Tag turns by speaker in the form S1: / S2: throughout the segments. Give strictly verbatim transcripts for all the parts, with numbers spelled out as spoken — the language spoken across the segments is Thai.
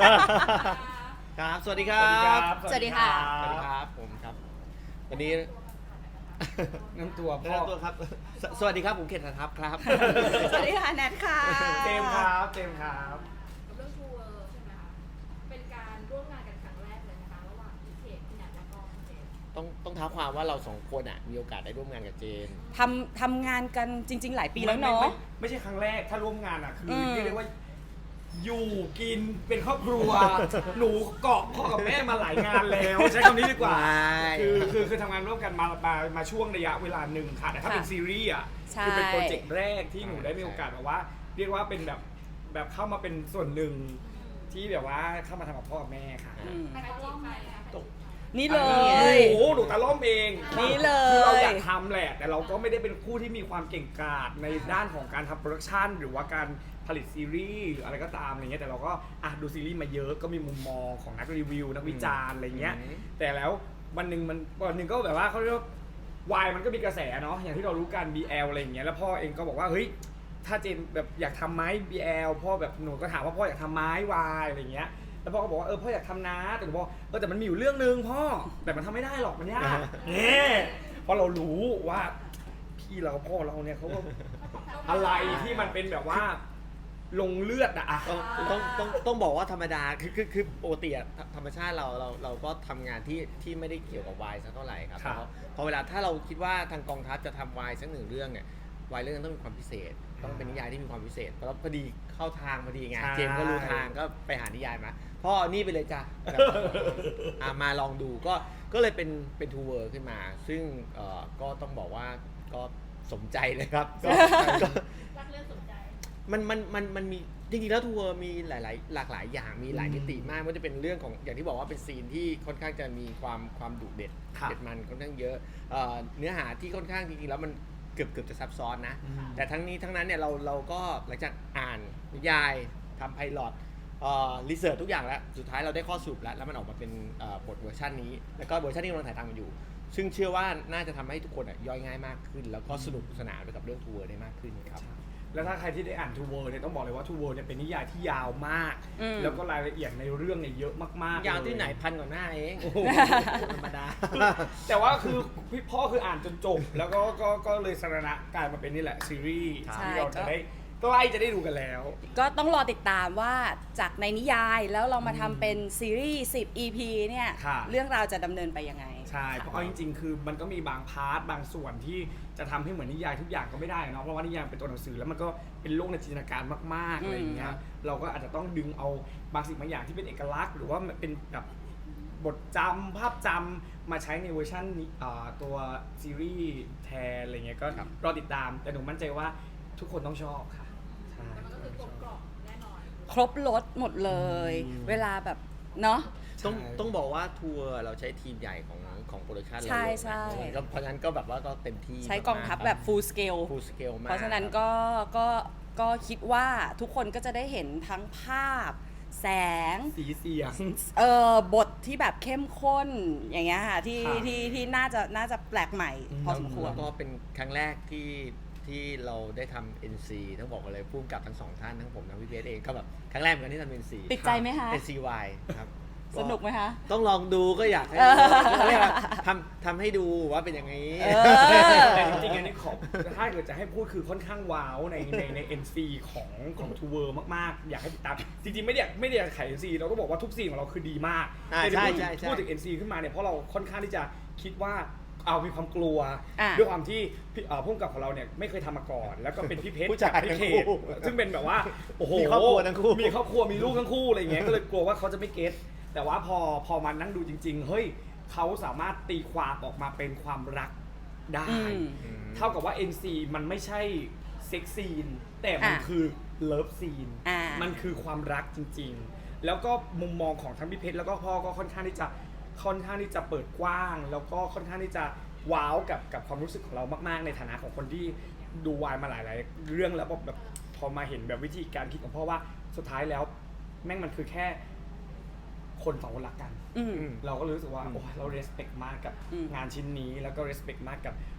S1: ครับสวัสดีครับ
S2: สวัสดีค่ะ
S1: สวัสดีครับผมครับวันนี้
S3: น้ำตัวพ่
S1: แนะ
S3: อน
S1: ำตัวครับสสวัสดีครับผมเขตทัพครับ
S2: สวัสดีค่ะแนทค่ะ
S3: เจมส์ครับเจมส์ครับ
S4: กับเรื่องทูเวอร์ใช่ไหมคะเป็นการร่วมงานกันครั้งแรกเลยนะคะระหว่างพี่เขตพี่นัทแล้วก็พี่เจมส์
S1: ต้องต้องท้าความว่าเราสองคนอ่ะมีโอกาสได้ร่วมงานกับเจน
S2: ทำทำงานกันจริง ๆ หลายปีแล้วเนาะ
S3: ไม่ไม่ไม่ใช่ครั้งแรกถ้าร่วมงานอ่ะคืออ
S2: ม
S3: เรียกได้ว่าอยู่กินเป็นครอบครัว หนูเกาะพ่อกับแม่มาหลายงานแล้วใช้คำนี้ดีกว่า
S1: ใช่
S3: คือคือคือทำงานร่วมกันมามามาช่วงระยะเวลาหนึ่งค่ะแต่ถ้าเป็นซีรีส์อ่ะ
S2: ใช่
S3: คือเป็นโปรเจกต์แรกที่หนูได้มีโอกาสแบบว่า เรียกว่าเป็นแบบแบบเข้ามาเป็นส่วนหนึ่งที่แบบว่าเข้ามาทำกับพ่อกับแม่ค่ะ
S2: อืม
S4: ใครเขาล่อมใครคะ
S3: ตก
S2: นี่เล
S3: โอ้
S2: ย
S3: โหหนูตาล่อมเอง
S2: นี่เลย
S3: คือเราอยากทำแหละ แต่เราก็ไม่ได้เป็นผู้ที่มีความเก่งกาจในด้านของการทำโปรดักชันหรือว่าการผลิตซีรีส์หรืออะไรก็ตามอะไรเงี้ยแต่เราก็อ่ะดูซีรีส์มาเยอะก็มีมุมมองของนักรีวิวนักวิจารณ์อะไรเงี้ย
S1: อืม
S3: แต่แล้ววันหนึ่งมันวันหนึ่งก็แบบว่าเขาเรียกว่าวายมันก็มีกระแสเนาะอย่างที่เรารู้กัน บี แอล อะไรอย่างเงี้ยแล้วพ่อเองก็บอกว่าเฮ้ยถ้าเจนแบบอยากทำไหม บี แอล พ่อแบบหนูก็ถามว่าพ่ออยากทำไหมวายอะไรเงี้ยแล้วพ่อก็บอกว่าเออพ่ออยากทำนะแต่หนูบอกเออแต่มันมีอยู่เรื่องนึงพ่อแต่มันทำไม่ได้หรอกมันยากเนี่ยเพราะเรารู้ว่าพี่เราพ่อเราเนี่ยเขาก็อะไรที่มันเป็นแบบว่าลงเลือดอะอะ
S1: ต้องต้องต้องต้องบอกว่าธรรมดาคือคือคือปกติอะธรธรรมชาติเราเราเราก็ทำงานที่ที่ไม่ได้เกี่ยวกับวายสักเท่าไหร่ครับ
S3: ครับ
S1: เพราะพอเวลาถ้าเราคิดว่าทางกองทัพจะทำวายสักหนึ่งเรื่องเนี่ยวายเรื่องนั้นต้องมีความพิเศษ ต้องเป็นนิยายที่มีความพิเศษเพราะพอดีเข้าทางพอดีไง
S3: ใช่
S1: เจมส์ก็รู้ทางก็ไปหานิยายมาพ่อเอานี่ไปเลยจ้ะแบบอ่ะมาลองดูก็ก็เลยเป็นเป็นทูเวอร์ขึ้นมา ซึ่งเอ่อก็ต้องบอกว่าก็สมใจเลยครับก็ก็
S4: รักเรื่องสนใจ
S1: มันมันมันมันมีจริงๆแล้วทัวร์มีหลายๆหลากหลายอย่างมีหลายมิติมากไม่ว่าจะเป็นเรื่องของอย่างที่บอกว่าเป็นซีนที่ค่อนข้างจะมีความความดุเด็ด
S3: ครับ
S1: เด็ดมันค่อนข้างเยอะเอ่อเนื้อหาที่ค่อนข้างจริงๆแล้วมันเกือบเกือบจะซับซ้อนนะ
S3: อืม
S1: แต่ทั้งนี้ทั้งนั้นเนี่ยเราเราก็หลังจากอ่านนิยายทำไพลอตเอ่อรีเสิร์ชทุกอย่างแล้วสุดท้ายเราได้ข้อสรุปแล้วแล้วมันออกมาเป็นเอ่อบทเวอร์ชันนี้แล้วก็เวอร์ชันที่กำลังถ่ายทำกันอยู่ ซึ่งเชื่อว่าน่าจะทำให้ทุกคนอะย่อยง่ายมากขึ้น แล้วก็สนุกสนานไปกับเรื่องทัวร์ได้มากขึ้นครับ
S3: แล้วถ้าใครที่ได้อ่านทูเวิร์เนี่ยต้องบอกเลยว่าทูเวิร์เนี่ยเป็นนิยายที่ยาวมาก
S2: อืม
S3: แล้วก็รายละเอียดในเรื่องเนี่ยเยอะมากๆ
S1: ยาวที่
S3: เล
S1: ไหนพันกว่าหน้าเองธรรมดา
S3: แต่ว่าคือพี่พ่อคืออ่านจนจบ แล้วก็ก็ก็เลยสรณะกลายมาเป็นนี่แหละซีรีส์
S2: ใช่
S3: ที่เราจะได้ใกล้จะได้ดูกันแล้ว
S2: ก็ต้องรอติดตามว่าจากในนิยายแล้วเรามาทำเป็นซีรีส์สิบ อี พี เนี่ย
S3: ค่ะ
S2: เรื่องราวจะดำเนินไปยังไง
S3: ใช่เพราะเอาจริงๆ คือมันก็มีบางพาร์ทบางส่วนที่จะทำให้เหมือนนิยายทุกอย่างก็ไม่ได้เนาะเพราะว่านิยายเป็นตัวหนังสือแล้วมันก็เป็นโลกในจินตนาการมากๆ
S2: อืม
S3: อะไรอย่างเงี้ยเราก็อาจจะต้องดึงเอาบางสิ่งบางอย่างที่เป็นเอกลักษณ์หรือว่ามันเป็นแบบบทจำภาพจำมาใช้ในเวอร์ชันนี้อ่าตัวซีรีส์แทนอะไรเงี้ยก็
S1: ครับ
S3: รอติดตามแต่หนูมั่นใจว่าทุกคนต้องชอบค่ะใช่
S4: แต่มันก็คือกลมกล่อมแน่นอน
S2: ครบรถหมดเลย
S1: อืม
S2: เวลาแบบเนาะ
S1: ต้องต้องบอกว่าทัวร์เราใช้ทีมใหญ่ของของโปรดักชันเรา
S2: ใช่
S1: เยอะนะ
S2: ใช่
S1: ก็เพราะฉะนั้นก็แบบว่าก็เต็มที่
S2: ใช้กองทัพแบบ full scale
S1: ฟูลสเกลมาก
S2: เพราะฉะนั้นก็ก็ก็คิดว่าทุกคนก็จะได้เห็นทั้งภาพ แสง
S3: สีเสียง
S2: เอ่อบทที่แบบเข้มข้นอย่างเงี้ยค่ะที่
S3: ครับ
S2: ที่ที่น่าจะน่าจะแปลกใหม่
S3: อืม
S2: พอสมควร
S1: แล้วก็เป็นครั้งแรกที่ที่เราได้ทำ เอ็น ซี ต้องบอกกันเลยพุ่มกับทั้งสองท่านทั้งผมทั้งพี่เบสเองก็แบบครั้งแรกเหมือนกันที่ทำ เอ็น ซี
S2: ติดใจไหมคะ
S1: เอ็น ซี วาย ครับ
S2: สนุกไหมคะ
S1: ต้องลองดูก็อยากให้
S2: เออ
S1: เขาเรียกว่าทำทำให้ดูว่าเป็นอย่างนี้
S2: เออ
S3: แต่จริงๆอันนี้ขอถ้าเกิดจะให้พูดคือค่อนข้างว้าวในในใน เอ็น ซี ของของทูเวอร์มากๆ อยากให้ติดตาม จริงๆ ไม่ได้ไม่ได้อยากขาย เอ็น ซี เราต้องบอกว่าทุกซีนของเราคือดีมาก
S1: อ่า
S3: แต่ที่พูด
S1: ใช่ใช่ใช่
S3: พูดถึง เอ็น ซี ขึ้นมาเนี่ยเพราะเราค่อนข้างที่จะคิดว่าเอามีความกลัว
S2: อ่ะ
S3: ด้วยความที่พี่เอ่อผู้กำกับของเราเนี่ยไม่เคยทำมาก่อน แล้วก็เป็นพี่เพชร
S1: ผู้ชาย
S3: กับพี่
S1: ทั้ง
S3: เข
S1: คู่
S3: ตซึ่งเป็นแบบว่าโอ้โห
S1: มีครอบครัวทั้งคู่
S3: มีครอบครัวมีลูกทั้งคู่อะไรอย่างเงี้ยก็เลยกลัวว่าเขาจะไม่เก็ตแต่ว่าพอพอมานั่งดูจริง ๆ เฮ้ยเขาสามารถตีความออกมาเป็นความรักได้
S2: อืม
S3: เท่ากับว่า เอ็น ซี มันไม่ใช่เซ็กซีนแต่มัน
S2: อ่ะ
S3: คือเลิฟซีน
S2: อ่ามั
S3: มันคือความรักจริงๆ แล้วก็มุมมองของทั้งพี่เพชรแล้วก็พ่อก็ค่อนข้างที่จะค่อนข้างที่จะเปิดกว้าง แล้วก็ค่อนข้างที่จะว้าวกับกับความรู้สึกของเรามากๆ ในฐานะของคนที่ดูวายมาหลายๆเรื่องแล้วแบบแบบพอมาเห็นแบบวิธีการคิดของพ่อว่าสุดท้ายแล้วแม่งมันคือแค่คนสองคนรักกัน
S2: อืม
S3: เราก็รู้สึกว่าโอ้ยเรา respect มากกับ
S2: อืม
S3: งานชิ้นนี้แล้วก็ respect มากกับ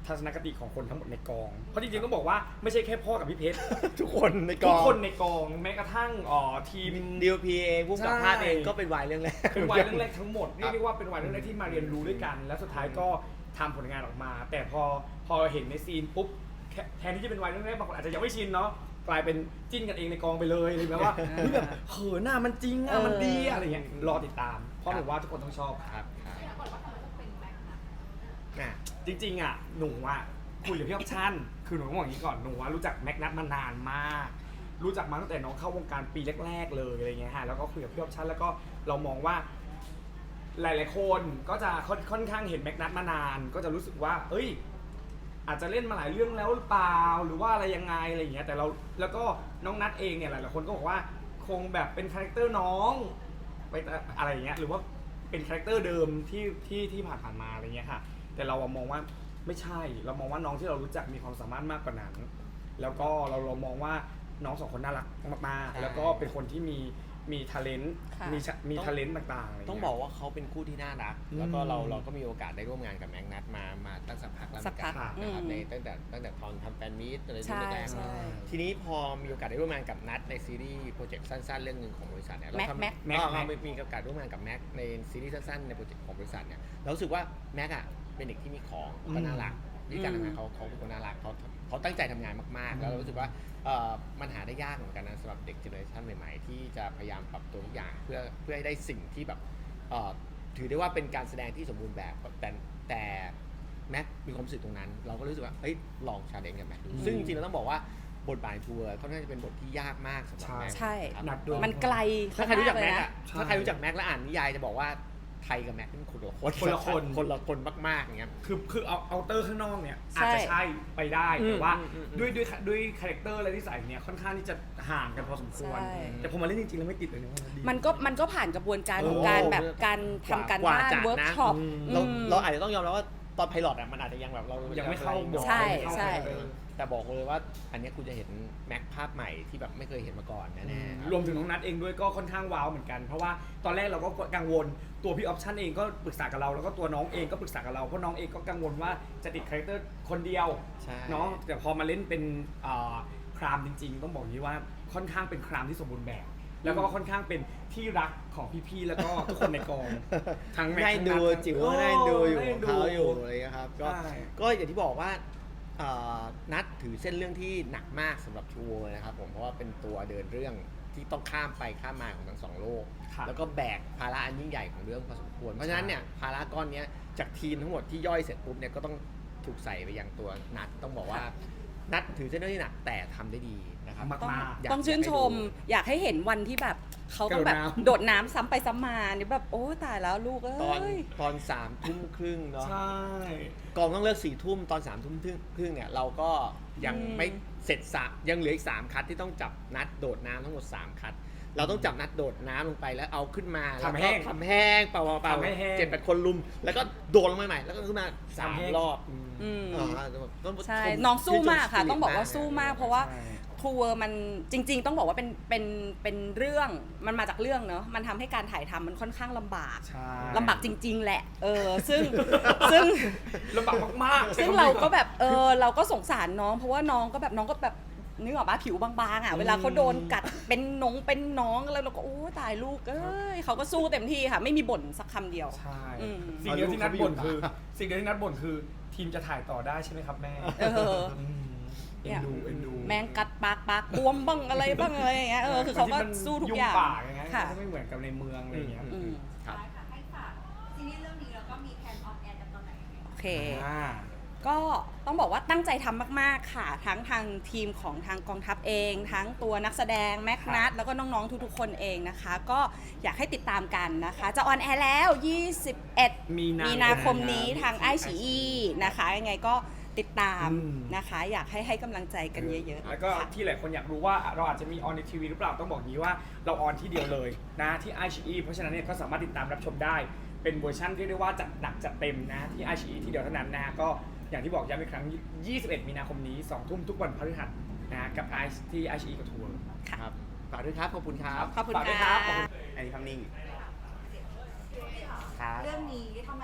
S3: ทัศนคติของคนทั้งหมดในกองเพราะจริงๆต้องบอกว่าไม่ใช่แค่พ่อกับพี่เพชร
S1: ทุกคนในก
S3: ทุ
S1: อก ง
S3: คนในกองแม้กระทั่งอ๋อทีม
S1: ดีโอพีเองผู้กำกับภาพเอง
S3: ใช่
S1: ก็เป็นวายเรื่องแรก
S3: เป็นวัยเรื่องแรกทั้งหมดเรียกได้ว่าเป็นวัยเรื่องแรกที่มาเรียนรู้ด้วยกัน แล้วสุดท้ายก็ทำผลงานออกมา แต่พอพอเห็นในซีนปุ๊บแค่แทนที่จะเป็นวัยเรื่องแรกบางคนอาจจะยังไม่ชินเนาะกลายเป็นจิ้นกันเองในกองไปเลยหรือแบบว่าเฮ้ยแบบเขินหน้ามันจริงอ่ะมันดีอะไรเงี้ยรอติดตามเพราะหนูว่าทุกคนต้องชอบ
S1: ครับครับ
S4: อยากบอกว่าทำไมต้องเป็นแม็กซ์นะ
S1: น่ะ
S3: จริงๆอ่ะหนูอ่ะคุยกับพี่ออปชั่นคือหนูต้องบอกอย่างนี้ก่อนหนูว่ารู้จักแม็กนัทมานานมาก รู้จักมาตั้งแต่น้องเข้าวงการปีแรกๆเลยอะไรเงี้ยฮะแล้วก็คุยกับพี่ออปชั่นแล้วก็เรามองว่าหลายๆคนก็จะค่อนค่อนข้างเห็นแม็กนัทมานาน ก็จะรู้สึกว่าเอ้ยอาจจะเล่นมาหลายเรื่องแล้วหรือเปล่าหรือว่าอะไรยังไงอะไรอย่างเงี้ยแต่เราแล้วก็น้องนัทเองเนี่ยหลายๆคนก็บอกว่าคงแบบเป็นคาแรคเตอร์น้องไปอะไรอย่างเงี้ยหรือว่าเป็นคาแรคเตอร์เดิมที่ที่ที่ผ่านผ่านๆมาอะไรเงี้ยค่ะแต่เราอะมองว่าไม่ใช่เรามองว่าน้องที่เรารู้จักมีความสามารถมากกว่านั้นแล้วก็เราเรามองว่าน้องสองคนน่ารักมากๆแล้วก็เป็นคนที่มีมีท ALENT
S2: ค่ะ
S3: มีชะมีท ALENT ต่างๆอะไรเงี้ย
S1: ต้องบอกว่าเขาเป็นคู่ที่น่ารัก
S3: อืม
S1: แล้วก็เราเราก็มีโอกาสได้ร่วมงานกับแม็กนัทมามาตั้งสักพักแล้วเหมือนกัน
S2: สักพัก
S1: นะครับ
S2: อืม
S1: ในตั้งแต่ตั้งแต่ตอนทำแฟนมีตอะไร
S2: ใช่
S1: แรก
S2: ใช่
S1: ๆทีนี้พอมีโอกาสได้ร่วมงานกับนัทในซีรีส์โปรเจกต์สั้นๆ เรื่องหนึ่งของบริษัทเนี่ยเรา
S2: แม็ก
S1: ทำ
S2: แม็ก
S3: แม็ก
S1: อ๋อ
S3: แม็ก
S1: เรามีโอกาสร่วมงานกับแม็กในซีรีส์สั้นๆในโปรเจกต์ของบริษัทเนี่ยเรารู้สึกว่าแม็กอะเป็นเด็กที่มีของก็น่ารักวิธีการทำงานเขาเขาเป็นคนน่ารักเขาเขาตั้งใจทำงานมากๆ แล้วเรารู้สึกว่าเอ่อมันหาได้ยากเหมือนกันนะสำหรับเด็กเจเนอเรชันใหม่ๆ ที่จะพยายามปรับตัวทุกอย่างเพื่อเพื่อให้ได้สิ่งที่แบบเอ่อถือได้ว่าเป็นการแสดงที่สมบูรณ์แบบแต่แต่แม็กมีความรู้สึกตรงนั้น เราก็รู้สึกว่าเอ้ยลองชาเลนจ์กันแม็กดูซึ่งจริงๆเราต้องบอกว่าบทบาททัวร์ค่อนข้างจะเป็นบทที่ยากมากสำหรับแม็ก
S2: ใช่
S1: ครับ
S3: หนักด้วย
S2: มันไกล
S1: ถ้าใครรู้จักแม็ก
S2: เลย
S1: อะ
S2: นะ
S1: ถ้าใครรู้จักแม็กและอ่านนิยายจะบอกว่าไทยกับแม็กเป็นคนละคน
S3: คนละคน
S1: คนละคนมากๆอย่างเงี้ย
S3: คือคือเอาเอาเตอร์ข้างนอกเนี่ย
S2: ใช่
S3: อาจจะใช่ไปได้แต่ว่า
S1: อืมอืมอืม
S3: ด้วยด้วยด้วยคาแรคเตอร์และนิสัยเนี่ยค่อนข้างที่จะห่างกันพอสมควร
S2: ใช่
S3: แต่พอมาเล่นจริงๆแล้วไม่ติดเลยนะว่าดี
S2: มันก็มันก็ผ่านกระบวนการของ
S1: โอ้
S2: การแบบการทำการบ้าน
S1: จัด
S2: เวิร์ก
S1: นะ
S2: ช็อป
S1: เราเราอาจจะต้องยอมรับว่าตอนไพลอตอะมันอาจจะยังแบบเรา
S3: ยั
S1: ยัง
S3: ไม่เข้าบท
S2: ใช่
S3: ไม่เข้า
S2: ใช่
S3: เออ
S1: แต่บอกเลยว่าอันเนี้ยคุณจะเห็นแม็กภาพใหม่ที่แบบไม่เคยเห็นมาก่อนแน่ๆครับ
S3: รวมถึงน้องนัทเองด้วยก็ค่อนข้างว้าวเหมือนกัน เพราะว่าตอนแรกเราก็กังวลตัวพี่ออปชั่นเองก็ปรึกษากับเราแล้วก็ตัวน้องเองก็ปรึกษากับเราเพราะน้องเองก็กังวลว่าจะติดคาแรคเตอร์คนเดียว
S1: ใช่
S3: เนาะแต่พอมาเล่นเป็นอ่าครามจริงๆ ต้องบอกอย่างนี้ว่าค่อนข้างเป็นครามที่สมบูรณ์แบบ แล้วก็ค่อนข้างเป็นที่รักของพี่ๆแล้วก็ทุกคนในกองทั้งแม็กซ์
S1: ได้ดู
S3: ทั้งนัท
S1: จิ๋วก็ได้ดูอยู่
S3: ได้
S1: ของ
S3: ดู
S1: เขาอยู่อะไรเงี้ยครับก็
S3: ใช่
S1: ก็อย่างที่บอกว่าเอ่อนัดถือเส้นเรื่องที่หนักมากสำหรับทัวร์นะครับผมเพราะว่าเป็นตัวเดินเรื่องที่ต้องข้ามไปข้ามมาของทั้งสองโลก
S3: ครับ
S1: แล้วก็แบกภาระอันยิ่งใหญ่ของเรื่องพอสมควรเพราะฉะนั้นเนี่ยภาระก้อนเนี้ยจากทีมทั้งหมดที่ย่อยเสร็จปุ๊บเนี่ยก็ต้องถูกใส่ไปยังตัวนัดต้องบอกว่านัดถือเส้นเรื่องที่หนักแต่ทำได้ดีนะครับ
S3: มาก
S2: ต้อง
S3: ๆ
S1: อยาก
S2: ต้องชื่นชม
S1: อยากให้ดู
S2: อยากให้เห็นวันที่แบบเขาต้องแบบ
S3: กระโดดน้ำ
S2: โดดน้ำซ้ำไปซ้ำมานี่แบบโอ้ตายแล้วลูกเอ้
S1: ตอน
S2: ย
S1: ตอนสามทุ่มครึ่งเนาะ
S3: ใช่
S1: กองต้องเลิกสี่ทุ่มตอนสามทุ่มครึ่งเนี่ยเราก็ยัง
S2: อืม
S1: ไม่เสร็จสามยังเหลืออีกสามคัดที่ต้องจับนัดโดดน้ำทั้งหมดสามคัด เราต้องจับนัดโดดน้ำลงไปแล้วเอาขึ้นมา
S3: ทำแห้ง
S1: ล้วก็ทำแห้งเปล่าๆเปล่า
S3: ทำให้แห้ง
S1: เจ็ดแปดคนลุม แล้วก็โดดลงไปใหม่แล้วก็ขึ้นมาสาม
S3: ทำแห้ง
S1: รอบ
S2: อืม
S1: อ่าต้อง
S2: ใช่
S1: ชม
S2: น้องสู้มากค่ะ
S1: ชื่นช
S2: ต้องบอกว่า
S1: สปิริ
S2: สู้มาก
S1: น
S2: เพราะว่า
S3: ใช่
S2: ทัวร์มันจริง ๆ ต้องบอกว่าเป็นเป็นเป็นเรื่องมันมาจากเรื่องเนอะมันทำให้การถ่ายทำมันค่อนข้างลำบาก
S3: ใช่
S2: ลำบากจริง ๆ แหละ เออ ซึ่ง ซึ่ง
S3: ลำบากมากๆ
S2: ซึ่งเราก็แบบ เออ เราก็สงสารน้อง เพราะว่าน้องก็แบบน้องก็แบบนึกออกปะผิวบางๆอ่ะ เวลาเขาโดนกัดเป็นหนงเป็นน้องแล้วเราก็โอ้ตายลูก เอ้ยเขาก็สู้เต็มที่ค่ะ ไม่มีบ่นสักคำเดียว
S3: ใช่
S2: อืม
S3: สิ่งเดียวที่นัดบ่นคือ สิ่งเดียวที่นัดบ่นคือ ทีมจะถ่ายต่อได้ใช่ไหมครับแม่
S2: เออ
S3: มเอ็นดูเอ็นดู
S2: แมงกัดปากปากบวมบ้างอะไรบ้างอะไรอย่างเงี้ย เออ คือเขาก็สู้ทุกอย่าง
S3: ยุ่งปากอย่างเงี้ย
S2: ค่ะ
S3: ก็ไม่เหมือนกับในเมืองอะไรอย่างเงี้ย
S2: อืม
S1: ครับ
S4: ค่ะให้ฝากซีรีส์เรื่องนี้แล้วก็มีแพลนออนแอร์กันตอนไหนยังไง
S2: โอเค
S3: อ่า
S2: ก็ต้องบอกว่าตั้งใจทำมากๆค่ะ ทั้งทางทีมของทางกองทัพเอง ทั้งตัวนักแสดงแม็กนัทแล้วก็น้องๆทุกๆคนเองนะคะ ก็อยากให้ติดตามกันนะคะ จะออนแอร์แล้ว ยี่สิบเอ็ด
S3: มีนา
S2: มีนาคมนี้ทางไอชีอีนะคะยังไงก็ติดตาม
S3: อืม
S2: นะคะ อยากให้ให้กำลังใจกันเยอะๆ
S3: แล้วก็
S2: ค่ะ
S3: ที่หลายคนอยากรู้ว่าเราอาจจะมีออนในทีวีหรือเปล่าต้องบอกงี้ว่าเราออนที่เดียวเลยนะที่ ไอ ซี อี เพราะฉะนั้นเนี่ยก็สามารถติดตามรับชมได้เป็นเวอร์ชันที่เรียกว่าจัดหนักจัดเต็มนะที่ ไอ ซี อี ที่เดียวเท่านั้นนะฮะก็อย่างที่บอกย้ำอีกครั้ง ยี่สิบเอ็ด มีนาคมนี้ สอง ทุ่มทุกวันพฤหัสนะกับ I ที่ ไอ ซี อี กับทัวร์
S1: ครับฝากด้วยครับ ขอบคุณครับ
S2: ขอบคุณ
S3: ฝากด้วย
S2: ค่ะ
S3: ครับ
S1: อันนี้คำนิ่งครับ
S4: เรื่องนี้ทำไมถึง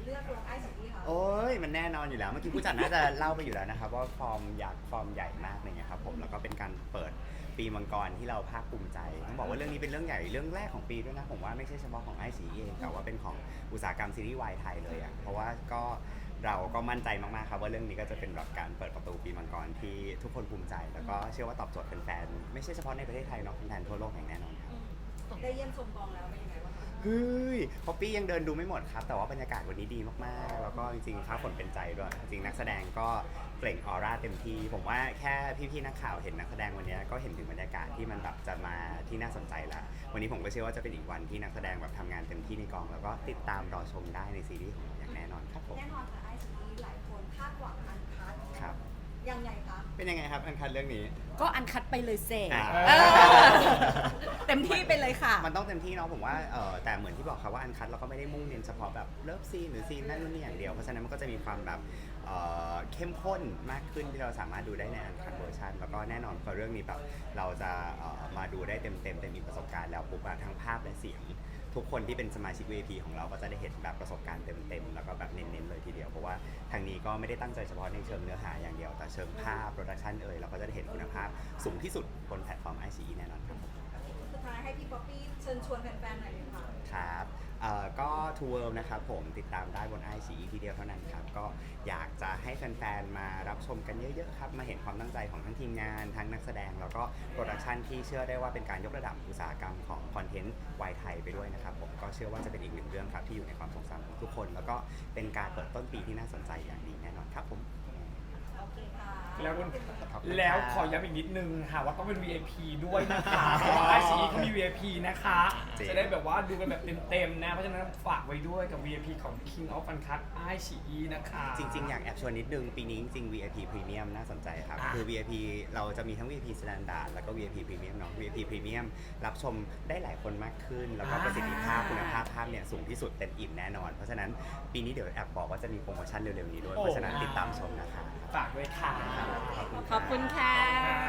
S5: เลือกลงไอซีอีคะ
S6: โอ้ยมันแน่นอนอยู่แล้วเมื่อกี้ผู้จัดน่าจะเล่าไปอยู่แล้วนะครับว่าฟอร์มอยากฟอร์มใหญ่มากอะไรเงี้ยครับผมแล้วก็เป็นการเปิดปีมังกรที่เราภาคภูมิใจต้องบอกว่าเรื่องนี้เป็นเรื่องใหญ่เรื่องแรกของปีด้วยนะผมว่าไม่ใช่เฉพาะของไอซีเองแต่ว่าเป็นของอุตสาหกรรมซีรีส์วายไทยเลยอ่ะเพราะว่าก็เราก็มั่นใจมากๆครับว่าเรื่องนี้ก็จะเป็นแบบการเปิดประตูปีมังกรที่ทุกคนภูมิใจแล้วก็เชื่อว่าตอบโจทย์แฟนๆไม่ใช่เฉพาะในประเทศไทยเนาะแฟนๆทั่วโลกอย่างแน่นอนครับ
S5: ได้เยี่ยมชมกองแล้วเป็นยังไงบ้างคะ
S6: เฮ้ยพอปี้ยังเดินดูไม่หมดครับ แต่ว่าบรรยากาศวันนี้ดีมากๆ แล้วก็จริงๆฟ้าฝนเป็นใจด้วย จริงๆนักแสดงก็เปล่งออร่าเต็มที่ ผมว่าแค่พี่ๆนักข่าวเห็นนักแสดงวันนี้ก็เห็นถึงบรรยากาศที่มันแบบจะมาที่น่าสนใจแล้ว วันนี้ผมก็เชื่อว่าจะเป็นอีกวันที่นักแสดงแบบทำงานเต็มที่ในกอง แล้วก็ติดตามรอชมได้ในซีรีส์ของเราอย่างแน่นอนครับผม
S5: แน่นอนค่ะไอซีอีหลายคนคาดหวังอันคัด
S6: ครับ
S5: ยังไงคะ
S6: เป็นยังไงครับอันคันเรื่องนี้
S2: ก็อันคัดไปเลยเซ
S6: อ่า
S2: เออเต็มที่ไปเลยค่ะ
S6: มันต้องเต็มที่เนาะผมว่าเออแต่เหมือนที่บอกครับว่าอันคัดเราก็ไม่ได้มุ่งเน้นเฉพาะแบบเลิฟซีนหรือซีนนั่นนู่นนี่อย่างเดียวเพราะฉะนั้นมันก็จะมีความแบบเอ่อเข้มข้นมากขึ้นที่เราสามารถดูได้ในอันคัดเวอร์ชันแล้วก็แน่นอนพอเรื่องนี้แบบเราจะเอ่อมาดูได้เต็มเต็มเต็มมีประสบการณ์แล้วปุ๊บอะทั้งภาพและเสียงทุกคนที่เป็นสมาชิก วี ไอ พี ของเราก็จะได้เห็นแบบประสบการณ์เต็มๆแล้วก็แบบเน้นๆเลยทีเดียวเพราะว่าทางนี้ก็ไม่ได้ตั้งใจเฉพาะในเชิงเนื้อหาอย่างเดียวแต่เชิงภาพโปรดักชันเอ่ยเราก็จะได้เห็นคุณภาพสูงที่สุดบนแพลตฟอร์ม ไอ ซี อี แน่นอนครับ
S5: สุดท้ายให้พี่ป๊อปปี้เชิญชวนแฟนๆหน่อยเลยค่ะ
S6: ครับเอ่อก็ To World นะครับผมติดตามได้บน ไอ ซี อี ทีเดียวเท่านั้นครับก็อยากจะให้แฟนๆมารับชมกันเยอะๆครับมาเห็นความตั้งใจของทั้งทีมงานทั้งนักแสดงแล้วก็โปรดักชันที่เชื่อได้ว่าเป็นการยกระดับอุตสาหกรรมของคอนเทนต์วายไทยไปด้วยนะครับผมก็เชื่อว่าจะเป็นอีกหนึ่งเรื่องครับที่อยู่ในความทรงจำของทุกคน แล้วก็เป็นการเปิดต้นปีที่น่าสนใจอย่างดีแน่นอนครับผม
S5: โอเคค่ะ
S3: แล้วคุณ
S6: ขอบคุณครับ
S3: แล้วขอย้ำอีกนิดนึงค่ะว่าต้องเป็น วี ไอ พี ด้วยนะคะเพราะว่าไอซีเขามี วี ไอ พี นะคะ
S6: จริง
S3: จะได้แบบว่าดูกันแบบเต็มๆนะ เพราะฉะนั้นฝากไว้ด้วยกับ วี ไอ พี ของ King of Uncut ไอ ซี อี นะคะ
S6: จริงๆ อยากแอบชวนนิดนึง ปีนี้จริงๆ วี ไอ พี Premium น่าสนใจครับ
S3: อ่ะ
S6: คือ วี ไอ พี เราจะมีทั้ง วี ไอ พี Standard แล้วก็ วี ไอ พี Premium เนาะ วี ไอ พี Premium รับชมได้หลายคนมากขึ้น แล้วก็ประสิทธิภาพคุณภาพภาพเนี่ยสูงที่สุดเต็มอิ่มแน่นอน เพราะฉะนั้นปีนี้เดี๋ยวแอบบอกว่าจะมีโปรโมชั่นเร็วๆนี้ด้วย เพราะฉะนั้นติดตามชมนะครับ
S3: ฝากด้วยค่ะ
S2: ขอบคุณค่ะ